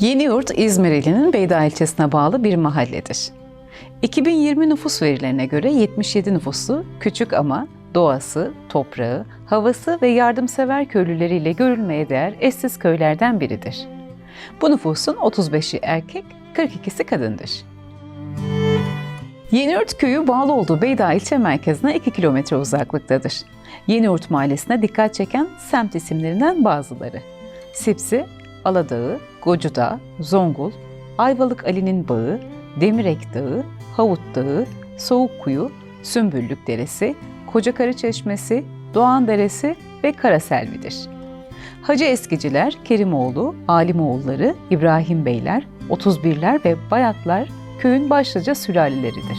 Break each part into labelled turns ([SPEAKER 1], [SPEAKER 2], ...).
[SPEAKER 1] Yeniyurt, İzmir ilinin Beyda ilçesine bağlı bir mahalledir. 2020 nüfus verilerine göre 77 nüfuslu, küçük ama doğası, toprağı, havası ve yardımsever köylüleriyle görülmeye değer eşsiz köylerden biridir. Bu nüfusun 35'i erkek, 42'si kadındır. Yeniyurt köyü bağlı olduğu Beyda ilçe merkezine 2 kilometre uzaklıktadır. Yeniyurt mahallesine dikkat çeken semt isimlerinden bazıları: Sipsi, Aladağı, Gocudağ, Zongul, Ayvalık Ali'nin Bağı, Demirek Dağı, Havut Dağı, Soğukkuyu, Sümbüllük Deresi, Kocakarı Çeşmesi, Doğan Deresi ve Karaselvi'dir. Hacı Eskiciler, Kerimoğlu, Alimoğulları, İbrahim Beyler, 31'ler ve Bayatlar köyün başlıca sülaleleridir.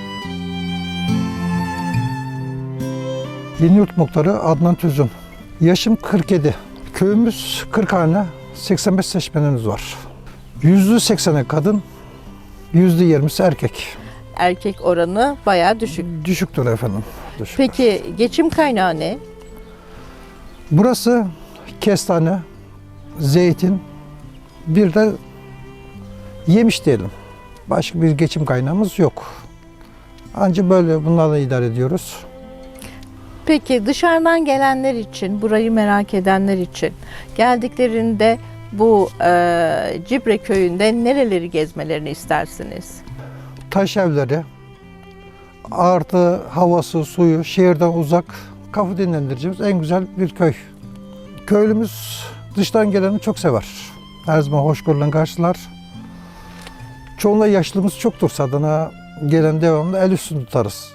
[SPEAKER 2] Yeniyurt muhtarı Adnan Tüzün. Yaşım 47. Köyümüz 40 hane, 85 seçmenimiz var. %80'i kadın, %20'si erkek.
[SPEAKER 3] Erkek oranı bayağı düşük.
[SPEAKER 2] Düşüktür efendim. Düşük.
[SPEAKER 3] Peki geçim kaynağı ne?
[SPEAKER 2] Burası kestane, zeytin, bir de yemiş diyelim. Başka bir geçim kaynağımız yok. Ancak böyle bunlarla idare ediyoruz.
[SPEAKER 3] Peki dışarıdan gelenler için, burayı merak edenler için geldiklerinde bu Cibre köyünde nereleri gezmelerini istersiniz?
[SPEAKER 2] Taş evleri, artı havası, suyu, şehirden uzak, kafa dinlendireceğimiz en güzel bir köy. Köylümüz dıştan geleni çok sever. Her zaman hoşgörüyle karşılar. Çoğunluğu yaşlımız çoktur sadana. Gelen devamlı el üstünde tutarız.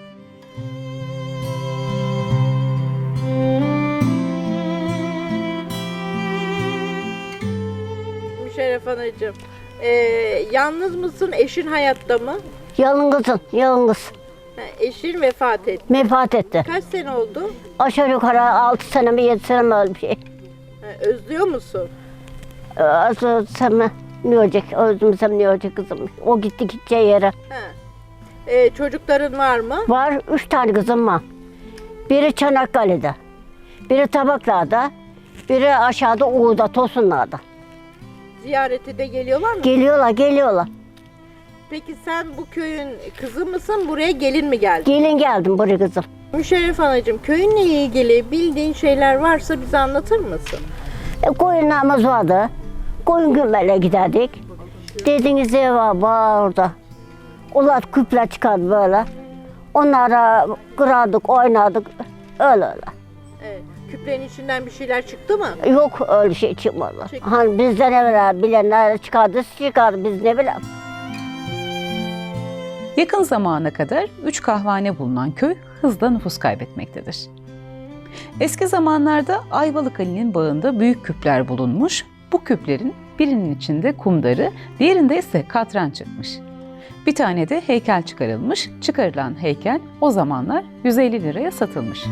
[SPEAKER 3] Müşerref Anacığım, yalnız mısın? Eşin hayatta mı?
[SPEAKER 4] Yalnızım, yalnız.
[SPEAKER 3] Eşin vefat etti.
[SPEAKER 4] Vefat etti.
[SPEAKER 3] Kaç sene oldu?
[SPEAKER 4] Aşağı yukarı 6 sene mi 7 sene mi öyle bir şey.
[SPEAKER 3] Özlüyor musun?
[SPEAKER 4] Özlesem ne olacak, özlemsem ne olacak kızım. O gitti gideceği yere.
[SPEAKER 3] Çocukların var mı?
[SPEAKER 4] Var 3 tane kızım var. Biri Çanakkale'de, biri Tabaklar'da, biri aşağıda Uğur'da, Tosunlar'da.
[SPEAKER 3] Ziyarete de geliyorlar mı?
[SPEAKER 4] Geliyorlar.
[SPEAKER 3] Peki sen bu köyün kızı mısın? Buraya gelin mi geldin?
[SPEAKER 4] Gelin geldim buraya kızım.
[SPEAKER 3] Müşerref Anacığım, köyünle ilgili bildiğin şeyler varsa bize anlatır mısın?
[SPEAKER 4] Koyunlarımız vardı. Koyun gümmele giderdik. Dediğiniz ev var orada. Ulan küpler çıkardı böyle. Onlara kırardık, oynardık. Öyle.
[SPEAKER 3] Evet. Küplerin içinden bir şeyler çıktı mı?
[SPEAKER 4] Yok öyle şey çıkmadı.
[SPEAKER 3] Çıkmadı.
[SPEAKER 4] Hani bizden evvel bilenler çıkardı biz ne bilelim.
[SPEAKER 1] Yakın zamana kadar 3 kahvehane bulunan köy hızla nüfus kaybetmektedir. Eski zamanlarda Ayvalık Ali'nin bağında büyük küpler bulunmuş. Bu küplerin birinin içinde kumdarı, diğerinde ise katran çıkmış. Bir tane de heykel çıkarılmış. Çıkarılan heykel o zamanlar 150 liraya satılmış.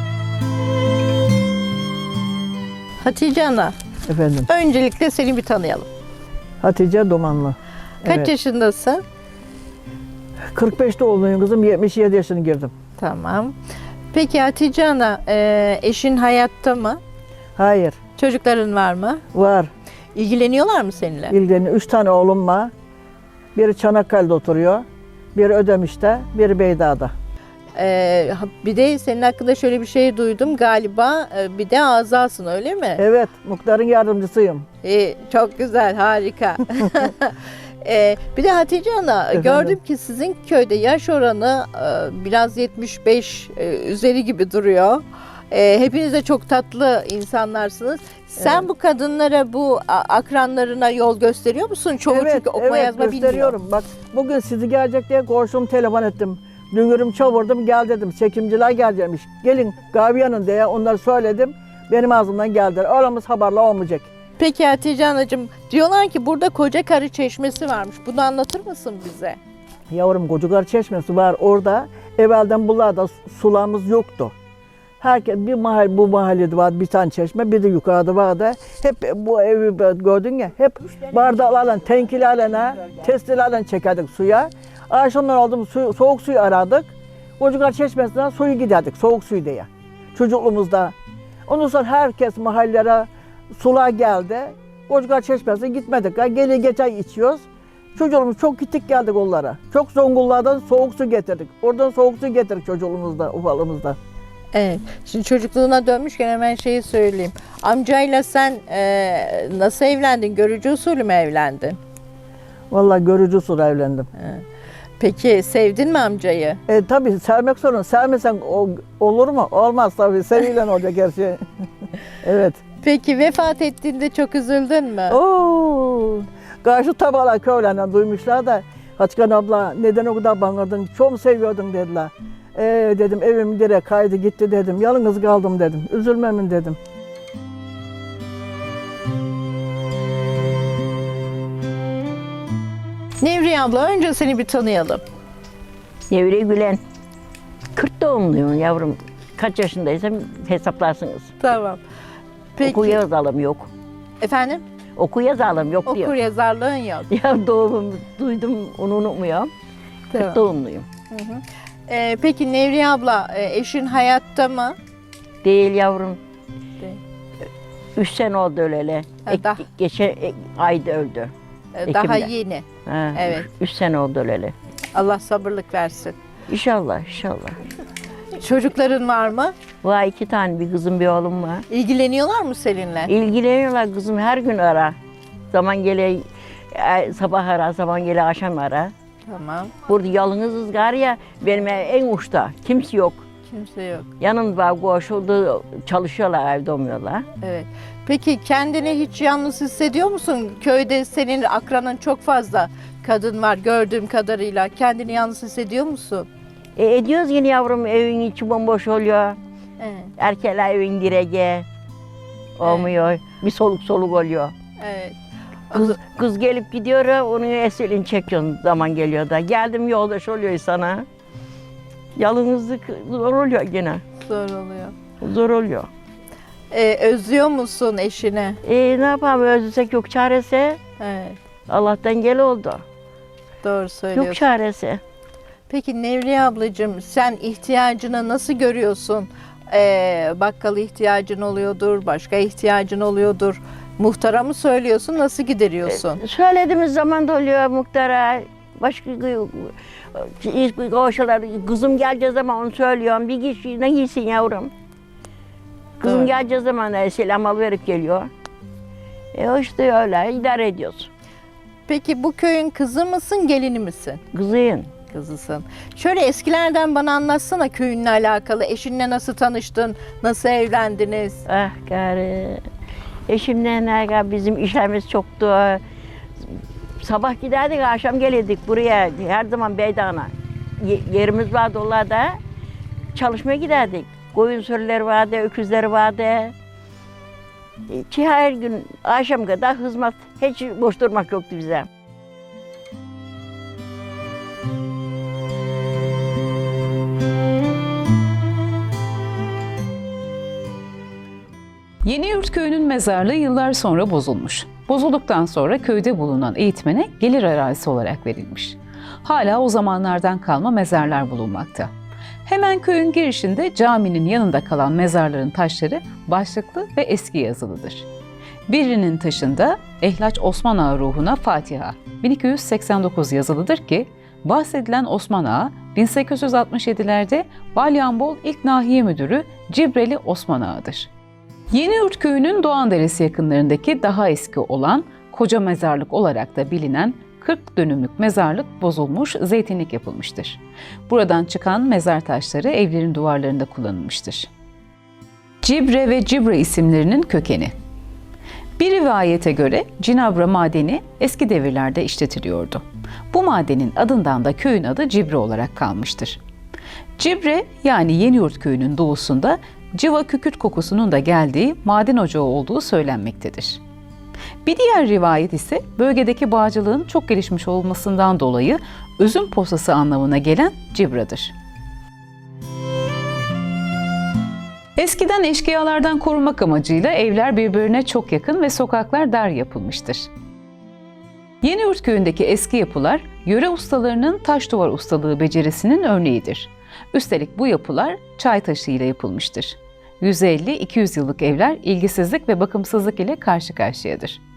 [SPEAKER 3] Hatice Ana,
[SPEAKER 5] Efendim,
[SPEAKER 3] öncelikle seni bir tanıyalım.
[SPEAKER 5] Hatice Domanlı.
[SPEAKER 3] Kaç
[SPEAKER 5] Evet.
[SPEAKER 3] yaşındasın?
[SPEAKER 5] 45'te oldum kızım, 77 yaşını girdim.
[SPEAKER 3] Tamam. Peki Hatice Ana, eşin hayatta mı?
[SPEAKER 5] Hayır,
[SPEAKER 3] Çocukların var mı?
[SPEAKER 5] var.
[SPEAKER 3] İlgileniyorlar mı seninle?
[SPEAKER 5] İlgili 3 tane oğlum var. Biri Çanakkale'de oturuyor, biri Ödemiş'te, biri Beyda'da.
[SPEAKER 3] Bir de senin hakkında şöyle bir şey duydum galiba, bir de azalsın öyle mi?
[SPEAKER 5] Evet, muhtarın yardımcısıyım.
[SPEAKER 3] Çok güzel, harika. Bir de Hatice Ana,
[SPEAKER 5] Efendim?
[SPEAKER 3] gördüm ki sizin köyde yaş oranı biraz 75 üzeri gibi duruyor. Hepiniz de çok tatlı insanlarsınız. Sen
[SPEAKER 5] Evet.
[SPEAKER 3] bu kadınlara, bu akranlarına yol gösteriyor musun? Çoğu çünkü okuma yazma bilmiyor.
[SPEAKER 5] gösteriyorum. Bak, bugün sizi gelecek diye koştum, telefon ettim. Dünürüm çavurdum, gel dedim. Çekimciler gelecekmiş. Gelin Gaviyan'ın diye onları söyledim. Benim ağzımdan geldiler. Aramız haberle olmayacak.
[SPEAKER 3] Peki Hatice Anacığım, diyorlar ki burada Kocakarı Çeşmesi varmış. Bunu anlatır mısın bize?
[SPEAKER 5] Yavrum Kocakarı Çeşmesi var orada. Evvelden buralarda sularımız yoktu. Herkes bir mahalle, bu mahallede var bir tane çeşme, bir de yukarıda vardı. Hep bu evi gördün ya, hep bardaklarla, tenkilerle, testilerle çekerdik suya. Akşamlar oldu soğuk suyu aradık. Kocakarı Çeşmesi'nden suyu giderdik, soğuk suyu diye. Çocukluğumuzda. Ondan sonra herkes mahallelere sular geldi. Koçgar Çeşmesi'ne gitmedik. Geli geçen içiyoruz. Çocuğumuz çok gittik geldik onlara. Çok Zonguldak'tan soğuk su getirdik. Oradan soğuk su getirdik çocuğumuzda, ufalımızda.
[SPEAKER 3] Evet. Şimdi çocukluğuna dönmüşken hemen şeyi söyleyeyim. Amcayla sen nasıl evlendin? Görücü usulü mü evlendin?
[SPEAKER 5] Vallahi görücü usulü evlendim.
[SPEAKER 3] Peki sevdin mi amcayı?
[SPEAKER 5] Tabii sevmek sorun. Sevmesen olur mu? Olmaz tabii. Sevilen olacak her şey. Evet.
[SPEAKER 3] Peki vefat ettiğinde çok üzüldün mü?
[SPEAKER 5] Oo. Karşı tabalar köylerinden duymuşlar da Hatice abla neden o kadar bağırdın? Çok mu seviyordun dediler. Dedim evim direkt kaydı gitti dedim. Yalnız kaldım dedim. Üzülmemin dedim.
[SPEAKER 3] Nevriye abla önce seni bir tanıyalım.
[SPEAKER 4] Nevriye Gülen. 40 doğumluyum yavrum. Kaç yaşındaysam hesaplarsınız.
[SPEAKER 3] Tamam. Peki.
[SPEAKER 4] Oku yazalım yok.
[SPEAKER 3] Efendim?
[SPEAKER 4] Oku yazalım yok diyor.
[SPEAKER 3] Okur yazarlığın yok.
[SPEAKER 4] Ya doğumumu duydum onu unutmuyorum. 40
[SPEAKER 3] Tamam.
[SPEAKER 4] doğumluyum.
[SPEAKER 3] Peki Nevriye abla eşin hayatta mı?
[SPEAKER 4] Değil yavrum.
[SPEAKER 3] Değil.
[SPEAKER 4] 3 sene oldu öleli.
[SPEAKER 3] daha-
[SPEAKER 4] Geçen ayda öldü.
[SPEAKER 3] Daha
[SPEAKER 4] Ekim'de.
[SPEAKER 3] yeni.
[SPEAKER 4] Ha,
[SPEAKER 3] Evet.
[SPEAKER 4] 3 sene oldu öleli.
[SPEAKER 3] Allah sabırlık versin.
[SPEAKER 4] İnşallah inşallah.
[SPEAKER 3] Çocukların var mı?
[SPEAKER 4] Var 2 tane bir kızım bir oğlum var.
[SPEAKER 3] İlgileniyorlar mı seninle?
[SPEAKER 4] İlgileniyorlar kızım her gün ara. Zaman gele sabah ara, zaman gele akşam ara.
[SPEAKER 3] Tamam.
[SPEAKER 4] Burada yalnızız gar ya benim en uçta. Kimse yok.
[SPEAKER 3] Kimse yok.
[SPEAKER 4] Yanımda koşuldu çalışıyorlar evde olmuyorlar.
[SPEAKER 3] Evet. Peki kendini hiç yalnız hissediyor musun? Köyde senin akranın çok fazla kadın var gördüğüm kadarıyla. Kendini yalnız hissediyor musun?
[SPEAKER 4] Ediyoruz yine yavrum evin içi bomboş oluyor.
[SPEAKER 3] Evet.
[SPEAKER 4] Erkekler evin direği olmuyor. Bir soluk soluk oluyor.
[SPEAKER 3] Evet.
[SPEAKER 4] Kız gelip gidiyor, onun eselini çekiyorsun zaman geliyor da. Geldim yoldaş oluyor sana. Yalnızlık zor oluyor gene.
[SPEAKER 3] Zor oluyor.
[SPEAKER 4] Zor oluyor.
[SPEAKER 3] Özlüyor musun eşini?
[SPEAKER 4] Ne yapalım özlesek yok çaresi.
[SPEAKER 3] Evet.
[SPEAKER 4] Allah'tan gel oldu.
[SPEAKER 3] Doğru söylüyorsun.
[SPEAKER 4] Yok çaresi.
[SPEAKER 3] Peki Nevriye ablacığım sen ihtiyacını nasıl görüyorsun? Bakkal ihtiyacın oluyordur, başka ihtiyacın oluyordur. Muhtara mı söylüyorsun, nasıl gideriyorsun?
[SPEAKER 4] Söylediğimiz zaman da oluyor muhtara. Başka koşular, kızım geleceği zaman onu söylüyorum. Bir kişi ne giysin yavrum? Kızım
[SPEAKER 3] Evet.
[SPEAKER 4] geleceği zaman da selam alıverip geliyor. İşte öyle idare ediyoruz.
[SPEAKER 3] Peki bu köyün kızı mısın, gelini misin?
[SPEAKER 4] Kızıyın.
[SPEAKER 3] Kızısın. Şöyle eskilerden bana anlatsana köyünle alakalı. Eşinle nasıl tanıştın, nasıl evlendiniz?
[SPEAKER 4] Ah gari. Eşimle ne bizim işlerimiz çoktu. Sabah giderdik, akşam gelirdik buraya. Her zaman Beydan'a. Yerimiz vardı onlarda. Çalışmaya giderdik. Koyun sürüleri vardı, öküzleri vardı. Ki her gün akşam kadar hizmet. Hiç boş durmak yoktu bize.
[SPEAKER 1] Yeniyurt köyünün mezarlığı yıllar sonra bozulmuş. Bozulduktan sonra köyde bulunan eğitmene gelir arazisi olarak verilmiş. Hala o zamanlardan kalma mezarlar bulunmakta. Hemen köyün girişinde caminin yanında kalan mezarların taşları başlıklı ve eski yazılıdır. Birinin taşında Ehlaç Osman Ağa ruhuna Fatiha 1289 yazılıdır ki bahsedilen Osman Ağa 1867'lerde Balyanbol İlk Nahiye Müdürü Cibreli Osman Ağa'dır. Yeniyurt köyünün Doğanderesi yakınlarındaki daha eski olan Koca Mezarlık olarak da bilinen 40 dönümlük mezarlık bozulmuş, zeytinlik yapılmıştır. Buradan çıkan mezar taşları evlerin duvarlarında kullanılmıştır. Cibre ve Cibre isimlerinin kökeni. Bir rivayete göre Cinabra madeni eski devirlerde işletiliyordu. Bu madenin adından da köyün adı Cibre olarak kalmıştır. Cibre yani Yeniyurt köyünün doğusunda civa kükürt kokusunun da geldiği maden ocağı olduğu söylenmektedir. Bir diğer rivayet ise bölgedeki bağcılığın çok gelişmiş olmasından dolayı üzüm posası anlamına gelen Cibra'dır. Eskiden eşkıyalardan korunmak amacıyla evler birbirine çok yakın ve sokaklar dar yapılmıştır. Yeniyurt köyündeki eski yapılar, yöre ustalarının taş duvar ustalığı becerisinin örneğidir. Üstelik bu yapılar çay taşı ile yapılmıştır. 150-200 yıllık evler ilgisizlik ve bakımsızlık ile karşı karşıyadır.